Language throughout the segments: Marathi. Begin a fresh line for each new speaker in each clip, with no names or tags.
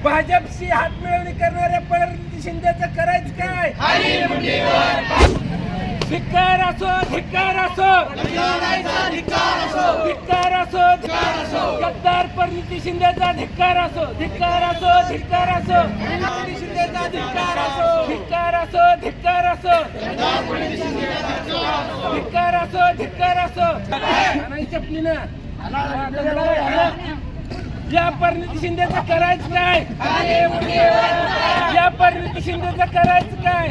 भाजपशी हातमिळवणी करणाऱ्या प्रणिती शिंदेचं करायचं काय? धिक्कार असो, धिक्कार असो, धिक्कार असो, गद्दार प्रणिती शिंदेचा धिक्कार असो, धिक्कार असो, धिक्कार असो, प्रणिती शिंदेचा धिक्कार असो, धिक्कार असो, धिक्कार असो, धिक्कार असो, धिक्कार असो. नाही चपलीनं या प्रणिती शिंदेचं करायचं काय? या प्रणिती शिंदेचं करायचं काय?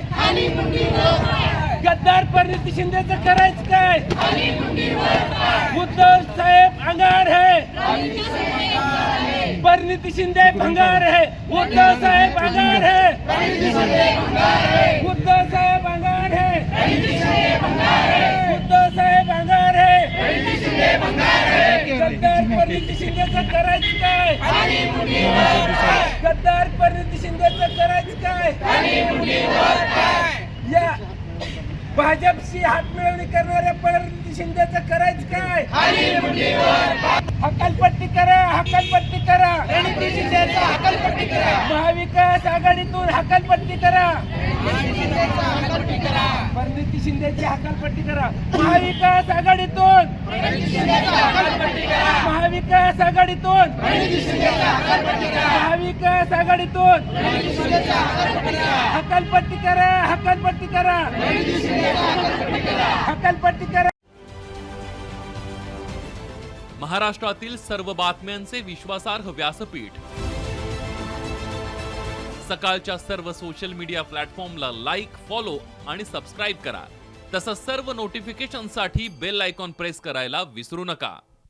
गद्दार प्रणिती शिंदेचं करायचं काय? उद्धव साहेब अंगार है, प्रणिती शिंदे भंगार है. उद्धव साहेब अंगार है, उद्धव साहेब अंगार है, उद्धव साहेब अंगार है. गद्दार प्रणिती शिंदेचं करायचं काय? गद्दार प्रणिती शिंदेचं करायचं काय? या भाजपशी हातमिळवणी करणाऱ्या प्रणिती शिंदेचं करायचं काय? हकालपट्टी करा, हकालपट्टी करा, प्रणिती शिंदेचा हकालपट्टी करा. महाविकास आघाडीतून हकालपट्टी करा, प्रणिती शिंदेची हकालपट्टी करा. महाविकास आघाडीतून, महाविकास आघाडीतून, महाविकास आघाडीतून हकालपट्टी करा, हकालपट्टी करा, हकालपट्टी करा.
महाराष्ट्रातील सर्व बातम्यांचे विश्वासार्ह व्यासपीठ. सकाळच्या सर्व सोशल मीडिया प्लॅटफॉर्मला लाईक, फॉलो आणि सबस्क्राईब करा. तसंच सर्व नोटिफिकेशनसाठी बेल आयकॉन प्रेस करायला विसरू नका.